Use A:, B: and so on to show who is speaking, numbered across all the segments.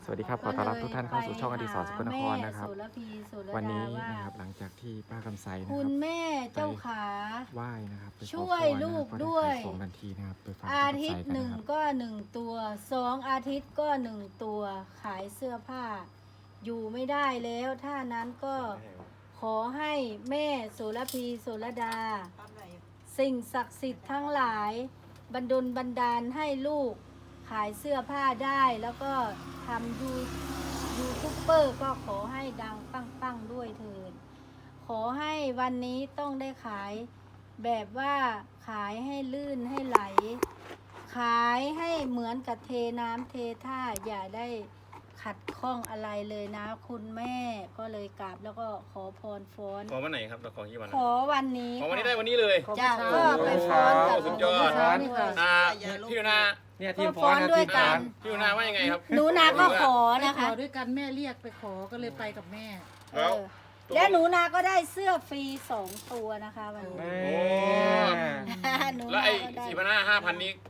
A: วัสดีครับขอต้อนรับทุกท่านเข้าสู่ช่องอดิศรสกลนครนะครับ
B: แม่โสระพีโสระดา
A: วันนี้
B: ว่า
A: นะครับหลังจากที่ป้าคำไซนะค
B: คุ
A: รับ
B: ณแม่เจ้าขา
A: ไหว้นะครับไปขอ
B: ช่วย
A: พรนะครับ
B: ลูก
A: ก็ไ
B: ด้วย
A: ขายของทันทีนะครับไปฟังป้า
B: อา
A: คำ
B: ทิ
A: ไซ
B: ตย์
A: กัน
B: หนึ่ง
A: นะครับ
B: ก็1 ตัว2 อาทิตย์ก็1 ตัวขายเสื้อผ้า อยู่ไม่ได้แล้วถ้านั้นก็ขอให้แม่โสระพีโสระดา สิ่งศักดิ์สิทธิ์ทั้งหลายบันดาลให้ลูกขายเสื้อผ้าได้แล้วก็ทำยูทูบเบอร์ก็ขอให้ดังปังๆด้วยเถิดขอให้วันนี้ต้องได้ขายแบบว่าขายให้ลื่นให้ไหล ขายให้เหมือนกับเทน้ำเทท่าอย่าได้ขัดข้องอะไรเลยนะคุณแม่ก็เลยกราบแล้วก็ขอพรฟ้อน
C: ขอวันไหนครับเราขอกี่วัน
B: ขอวันนี้
C: ขอวันนี้ได้
B: ค่ะ
C: วันนี้เลย
B: จ้ะก็ไปฟ้อนกับ
C: สุดยอด
B: นี่ค่ะ
C: พี่ยูนา
A: เนี่ยทีม
B: ก็
A: ฟ้อน
B: ฟ้อน
A: นะ
B: ด้วย
A: ทีม
B: กั
A: ฟ้อน น
C: พี่ยูนาว่ายังไงครับ
B: หนูนาก็ขอ
D: ไป
B: นะ
D: ข
B: คะ
D: อด้วยกันแม่เรียกไปขอก็เลยไปกับแม่
B: เออและหนูนาก็ได้เสื้อฟรี2 ตัวนะคะวันนี้
A: เอ้
C: โอ้
A: ย
B: หนู
C: แล้ว
B: นา
C: ไอ้
B: ก็ได้
C: 4,500 5,000นี้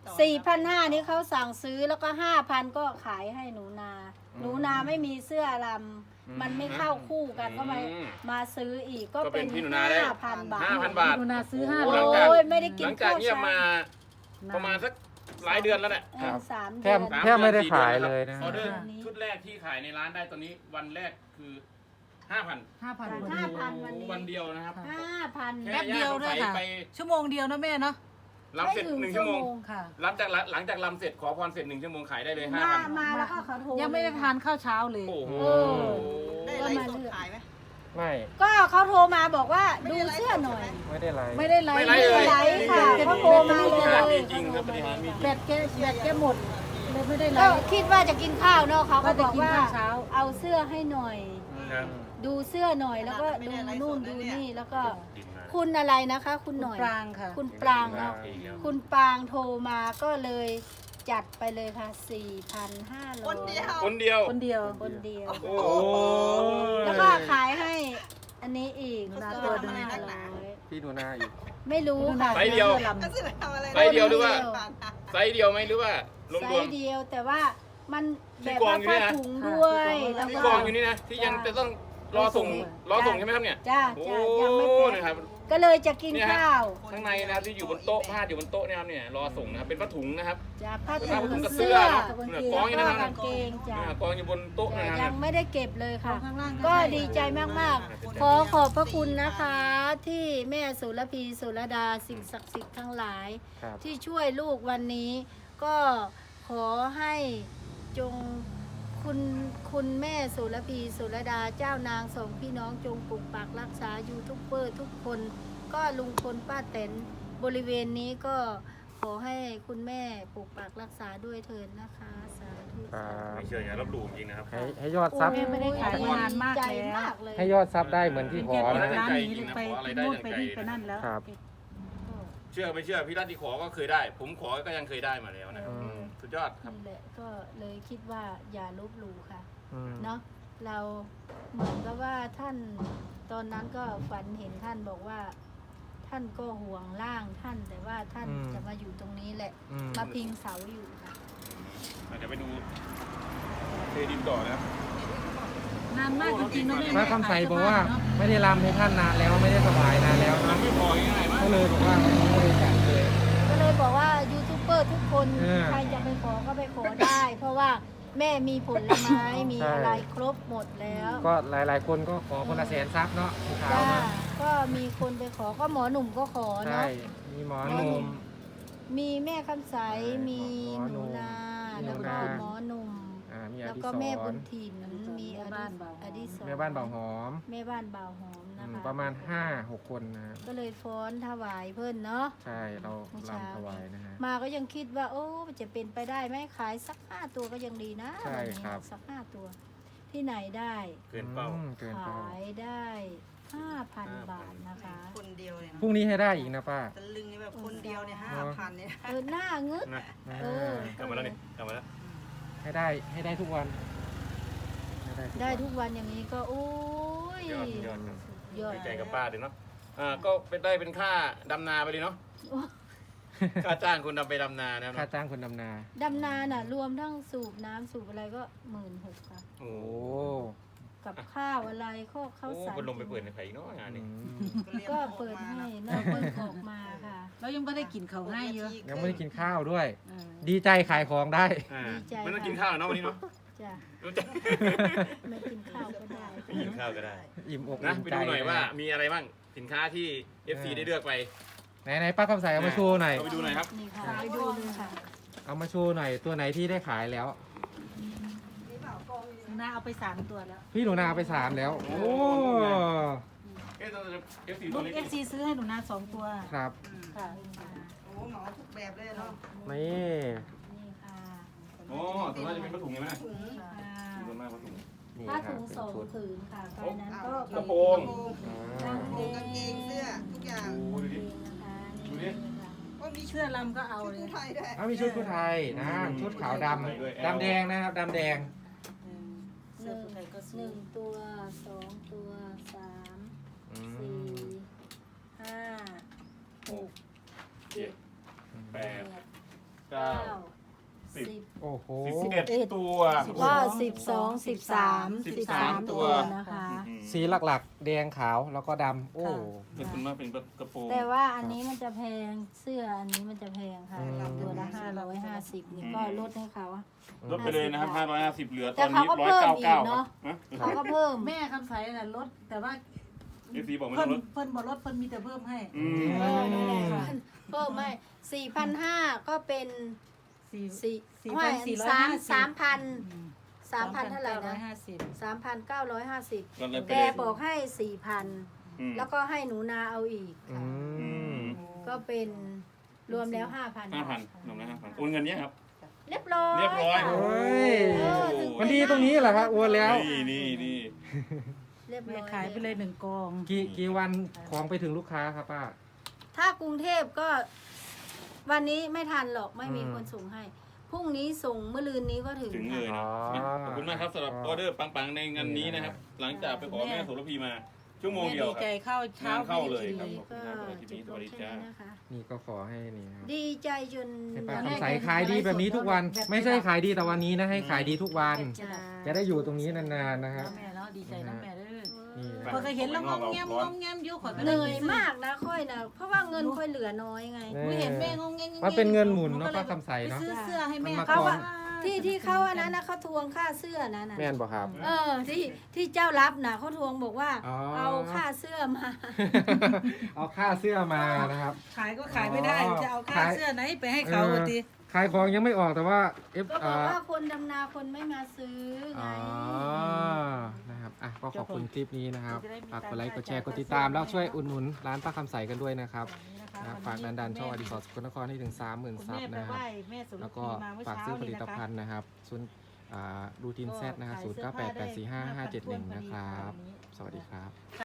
B: 4,500นี่เขาสั่งซื้อแล้วก็ 5,000 ก็ขายให้หนูนา หนูนาไม่มีเสื้อลำมันไม่เข้าคู่กันก็มาซื้ออีกก็
C: ก็เป็
B: เป็น น
C: พี่หนูนาได้
B: 5,000 บาท
C: 5,000 บาท
D: หนูนาซื้อ
C: โอ้
D: 500
C: หลังจาก
B: โอ้ยไม่ได้กิ
C: ห
B: น
C: ลังจาก
B: ข้าว
C: เงียบ
B: เช้า
C: มาประมาณสักหลายเดือนแล้วแหละ
A: ครับ
B: 3
A: แท
B: เดื
A: บ
B: อน
A: แทบไม่ได้ขายเลยนะ
C: ออเดอร์ชุดแรกที่ขายในร้านได้ตอนนี้วันแรกคือ 5,000
D: 5,000
B: 5,000 วันนี้
C: วันเดียวนะครับ
B: 5,000
D: แป๊บเดียวด้วยค่ะ
C: ไป
D: ชั่วโมงเดียวนะแม่เนาะ
C: ลำเสร็จ1 ชั่วโมง
D: ค่ะ
C: หลังจากลำเสร็จขอพรเสร็จ1 ชั่วโมงขายได้เลย
B: มา
C: 5,000
B: มาแล้วก็เขาโทร
D: ยังไม่ได้ทานข้าวเช้าเลย
C: โอ้โห
E: ได้ไลฟ์สดขายไหม
A: ไม่
B: ก็เขาโทรมาบอกว่าดูเสื้อหน่อย
A: ไม่ได้ไลฟ์
D: ไม่ได้ไลฟ์
C: ไม่ไลฟ์เลย
B: ไลฟ์ค่ะเขาโทรมาเลย
C: จริงครับประเด็นนี้มี
D: แบตแกหมดเลยไม่ได้ไล
B: ก็
D: ฟ์
B: คิดว่าจะกินข้าวเนาะเขาก็บอกว่า
D: ว่าจะกินข้าวเช้า
B: เอาเสื้อให้หน่อย
C: ครับ
B: ดูเสื้อหน่อยแล้วก็ดูนู่นดูนี่แล้วก็
C: ดีมาก
B: คุณอะไรนะคะ คุณหน่อย
D: ปรางค่ะ
B: คุณปรางเนาะคุณปรางโทรมาก็เลยจัดไปเลยค่ะ 4,500
E: คนเดียว
C: คนเดียว
D: คนเดียว
B: คนเดียว
C: โอ้
B: แล้วก็ขายให้อันนี้อีก
D: หนูนา
B: ตัว
D: ตัวหนึ่ง
B: 500
A: พี่ดูหน้าอยู่
B: ไม่รู้ค่ะ
C: ไซส์เดียว
E: ก็จะทำอะไร
C: ไซส์เดียวหรือว่า ไซส์เดียวไหมหรือว่า ร
B: ไซ
C: วม
B: ส์เดียวแต่ว่ามัน
C: ที่
B: แบบ
C: กอ
B: ว่าง
C: อยู่เนี่
B: ผ้าย
C: นะ
B: ถุงด้วยแล้ว
C: ๆที่
B: ก็
C: กองอยู่นี่นะที่ยังจะต้องรอส่งใช่ไหมครับเนี่ย
B: จ้า
C: โอ้
B: จ้ายังไม่แพ็
C: นะครับ
B: คก็เลยจะกิน
C: เนี่ยฮะ
B: ข้าว
C: ข้างในนะครับที่อยู่บนโต๊ะผ้าอยู่บนโต๊ะเนี่ยครับเนี่ยรอส่งนะครับเป็นผ้าถุงนะครับ
B: จ้าผ้า
C: ผ้าถุ
B: ถุ
C: ง
B: ง
C: กับเสื้
B: เสื้
C: อ
B: อ
C: ครับ
B: กาง
C: เนี่ย
B: เก
C: กอง
B: ง
C: อยู่
B: แล้ว
C: นั่
B: ก็
C: นนะ
B: กางเกงจ้า
C: กองอยู่บนโต๊ะนะค
B: ยั
C: รับ
B: งไม่ได้เก็บเลยค่ะ
D: ข้างล่าง
B: ก็ดีใจมากๆ ขอขอบพระคุณนะคะ ที่แม่โสระพีโสระดาสิ่งศักดิ์สิทธิ์ทั้งหลาย
A: ครับ
B: ที่ช่วยลูกวันนี้ ก็ขอให้จงคุณแม่โสระพีโสระดาเจ้านางสองพี่น้องจงปกปักรักษายูทูบเบอร์ทุกคน ก็ลุงพลป้าแตนบริเวณนี้ก็ขอให้คุณแม่ปกปักรักษาด้วยเถิดนะคะสาธุ
A: ครับ
C: ไม่เชื่ออย่าลบหลู่จริงนะครับ
A: ให้ยอดซับ
D: แม่ไม่ได้ขายมานานมาก
B: ใจ
D: แล้ว
B: มากเลย
A: ให้ยอดซับได้เหมือนที่ขอ
D: แก
A: นะ
D: เปิดร้านนี้ไปนู่นไปนี่ไปนั่นแล้ว
A: ครับ
C: เชื่อไม่เชื่อพี่รัตที่ขอก็เคยได้ ผมขอก็ยังเคยได้มาแล้วนะครับ
A: อืม
C: สุดยอดครับ
B: นี่แหละก็เลยคิดว่าอย่าลบหลู่ค่ะ
A: อืม
B: เนาะเราเหมือนกับว่าท่านตอนนั้นก็ฝันเห็นท่านบอกว่า ท่านก็ห่วงร่างท่าน แต่ว่าท่านจะมาอยู่ตรงนี้แหละ
A: อืม
B: มาพิงเสาอยู่ค่ะ
C: เดี๋ยวไปดูเทดินต่อนะครับ
D: นานมากจริงๆเนาะแม่
A: ป้าคำไซบอกว่าไม่ได้รำให้ท่านนานแล้วไม่ได้สบายนานแล้ว
C: มั
A: นะ
C: นไม่พอง่ายๆมั้ง
A: ก็เลยบอกว่าวันนี้ไม่ได้จัดเลย
B: ก็เลยบอกว่ายูทูบเบอร์ทุกคน
A: เออ
B: ใครจะไปขอก็ไปขอได้ เพราะว่าแม่มีผลไม้มี
A: ใช่
B: อะไรครบหมดแล้ว
A: ก็หลายๆคนก็ขอคนละแสนซับเนาะเช้า
B: จ้า
A: มา
B: ก็มีคนไปขอก็หมอหนุ่มก็ขอ
A: ใช่
B: เนาะ
A: มีหมอหนุ่ม
B: มีแม่คำใสมี
A: หมอหนุ่
B: หนู
A: ม
B: นา
A: หนู
B: แล้วก็
A: นา
B: หมอหนุ่ม
A: มีอ
B: แล้ว
A: ดิ
B: ก็
A: ศ
B: แม่บุ
A: ร
B: ญถิ่นมีอดิศร
A: แม่บ้านเบาหอม
B: แม่บ้านบ่าวหอมนะคะ
A: ประมาณ 5-6 คนนะครับ
B: ก็เลยฟ้อนถวายเพิ่นเนาะ
A: ใช่เรา
B: เมื่อเช้า
A: รำถวายนะฮะ
B: มาก็ยังคิดว่า โอ้จะเป็นไปได้ไหมขายสัก5 ตัวก็ยังดีนะ
A: ใช่
B: วันนี้
A: ครับ
B: สัก5 ตัว ที่ไหนได้
C: เกินเป้า
A: เกินเป้า
B: ขายได้ 5,000 บาทนะคะ
E: คนเดียวเนี่ย
A: พรุ่งนี้ให้ได้อีกนะป้า
E: ตะลึงเนี่ยแบบคนเดียวเนี่ย5,000เนี่ย
B: หน้างึด
C: นะ
B: เออ
C: กลับมาแล้วนี่กลับมาแล้ว
A: ให้ได้ทุกวันให้
B: ได้ทุกวันอย่างนี้ก็โอ้ย
C: ยอดยอดครับ
B: ยอด
C: ดีใจกับป้าด้วยเนาะก็เป็นได้เป็นค่าดำนาไปเลยเนาะค่าจ้างคนดำไปดำนานะครับ
A: ค่าจ้างคนดำนา
B: ดำนาน่ะ รวมทั้งสูบน้ำสูบอะไรก็16,000ค่ะ
C: โอ้
A: โอ้
B: กับข้าวอะไรข้าว
C: โห
B: สาร
C: คนลงไปเปิดในไผ่อีกเนาะงาน
A: อื
C: นี้
A: ม
B: ก็เปิดให้นอกเพิ่งออกมาค่ะ
D: เรายังไม่ได้กินเขาวให้เยอะ
A: ยังไม่ได้กินข้าวด้วย
D: เออ
A: ดีใจขายของได้
C: อ่า
B: ดีใจ
C: ไม่ต้องกินข้าวเนาะวันนี้เนาะ
B: จ้ะ
C: รู้จัก
B: ไม่กินข้าวก็ได้
C: ไม่กินข้าวก็ได้
A: อิ่มอก
C: นะ
A: อิ่ม
C: ไป
A: ใจ
C: ดูหน่อยว่ามีอะไรบ้างสินค้าที่ FC ได้เลือกไป
A: ไหนป้าคำใสเอามาโชว์หน่อย
C: เอาไปดูหน่อยครับ
B: นี่ค่ะไปดูเลยค่ะ
A: เอามาโชว์หน่อยตัวไหนที่ได้ขายแล้ว
D: หน้าเอาไป3 ตัวแล้ว
A: พี่หนูนาไป3แล้ว โอ้
C: เอ๊ะตัว FC
D: ลู
C: ตัว
D: ก
C: เล็ก
D: FC ซื้อให้หนูนา2 ตัว
A: ครับ
D: ค่ะ
E: โอ้เหมาทุกแบบเลยเนาะ
A: นี่
B: นี่ค่ะ
C: โอ้ตัวน่าจะเป็นผ้าถุงใช่ไหม
E: ถุง
B: ค่ะ
C: ส่วนมากผ้าถุง
A: นี่
B: ผ้า
A: ครั
B: ถุ
A: บ
B: ง
A: เป็น
B: สอง
A: ชุด
B: ผืนค่ะไปนั้นก็
C: กระโปรง
B: กางเก
E: กางเกงเสื้อทุกอย่าง
C: โอ้ดูดิ
B: นะคะ
C: ดู
B: นี่
C: ดิ
B: ค่ะ
E: ก็มี
D: เสื้อลำก็เอา
E: ชุด
D: เลย
E: ผู้ไทยด้วย
A: เอามีชุดผู้ไทยนะชุดขาวดำดำแดงนะครับดำแดง
D: เสื้อผู้ไทยก็
B: ห
D: ซื้อ
B: นึ่งตัวสองตัวสาม
A: อื
B: สี่
A: ม
B: ห้าหก
C: เจ็ดแป
B: แป
C: ด
B: ด
C: เก้า
B: เก้า
C: สิบ
B: สิบ
A: โอ้โห
C: 11ตัว
B: ก็12 13 13ตัวนะคะ
A: สีหลักๆ แดงขาวแล้วก็ดำโอ้
C: เป็นคุณมากเป็นกระโปรง
B: แต่ว่าอันนี้มันจะแพงเสื้ออันนี้มันจะแพงค่ะ
A: อืม
B: ตัวละ550นี่ก็ลดให้เขา
C: ลดไปเลยนะครับ550เหลือต
B: แต่
C: อน
B: เขา
C: นี้
B: ก็เพิ่มอีก
C: 199
B: เนอะ
C: นะ
B: เขาก็เพิ่ม
D: แม่คำใสน่ะลดแต่ว่า
C: FC บอกไม่
D: เพิ่
C: ต้อน งลด
D: เพิ่นบ่ลดเพิ่นมีแต่เพิ่มให้
C: อืม
B: เออนั่นแหละค่ะเพิ่มไม่4,500ก็เป็น
D: 4
B: ไม่
D: 4,450
B: 3,000เท่าไหร่นะ
D: 3,950
B: 3,950
C: ก็เลยไป
B: แก
C: เลย
B: บอกให้
C: อืม
B: 4,000 แล้วก็ให้หนูนาเอาอีก
A: อื
B: ค่ะ
A: ม
B: ก็เป็นรวมแล้ว 5,000
C: 5,000ลงนะ5,000โอนเงินเนี้ยครับ
B: เรียบร้อย
C: เรียบร้อย
A: โอ้ย
B: เออถึง
A: มันดีตรงนี้เหรอครับอ้วนแล้ว
C: นี่
B: เรียบร้
D: แม่
B: อย
D: ขายไปเลย1 กอง
A: กี่วันของไปถึงลูกค้าครับป้า
B: ถ้ากรุงเทพก็วันนี้ไม่ทันหรอกไม่มี
A: อืม
B: คนส่งให้ พรุ่งนี้ส่งเมื่อลืนนี้ก็ถึง
C: ถึงเลย
B: ค่ะ
C: นะขอบคุณมากครับสำหรับออเดอร์ปังๆในงานนี้นะครับ หลังจากไปขอแม่โสระพีมาชั่วโมง
D: แม่
C: เดียว
D: ดี
C: ค
D: ใจ
C: รับ
D: เข้าเช้าง
C: านเข้าเลย
D: ไม่
C: ครับ
D: ได้กิน
B: ก็จบลงแค่นี้นะคะ
A: นี่ก็ขอให้นี่นะครับ
B: ดีใจจน
A: ให้ป้าคำใสขายดีแบบนี้ทุกวัน ไม่ใช่ขายดีแต่วันนี้นะให้ขายดีทุกวัน
B: จ้า
A: จะได้อยู่ตรงนี้นานๆนะครับ
D: แม่เนาะดีใจนะแม่เด้อ
A: นี่นะ
D: พอเคยเห็นแล้วงอมแงมงอมแงมอยู่ขอยก็
B: เหนื่อยมากนะค่อยนะเพราะว่าเงินค่อยเหลือน้อยไง
D: หนูเห็นแม่งอมแงม
A: มันเป็นเงินหมุนเนาะป้าคำใส
D: ไป
A: เนาะ
D: ซื้อเสื้อให้แม่
A: มันมา
B: เขา
A: ก่อ
B: ว่าน ที่เขาอันนั้นนะเขาทวงค่าเสื้อนั้นน่ะ
A: แม่นบอกครับ
B: เออที่เจ้ารับนะเขาทวงบอกว่า
A: อ๋อ
B: เอาค่าเสื้อมา
A: เอาค่าเสื้อมานะครับ
D: ขายก็ขายไม่ได้
A: อ๋อ
D: จะเอาค่าเสื้อไหนไปให้เขาวะที
A: ขายของยังไม่ออกแต่ว่า
B: ก็
A: F
B: บอกว่าคนดำนาคนไม่มาซื้อไง
A: อ๋อนะครับอ่ะก็ขอบคุณคลิปนี้นะครับฝากกดไลค์กดแชร์กดติดตามแล้วช่วยอุดหนุนร้านป้าคำใสกันด้วยนะครับฝากดันช่องอดิศรสกลนครให้ถึง 30,000 ซับนะครับ แล้วก็ฝากซื้อผลิตภัณฑ์นะครับศูนย์รูทีนเซตนะครับ0988455571นะครับ สวัสดีครับ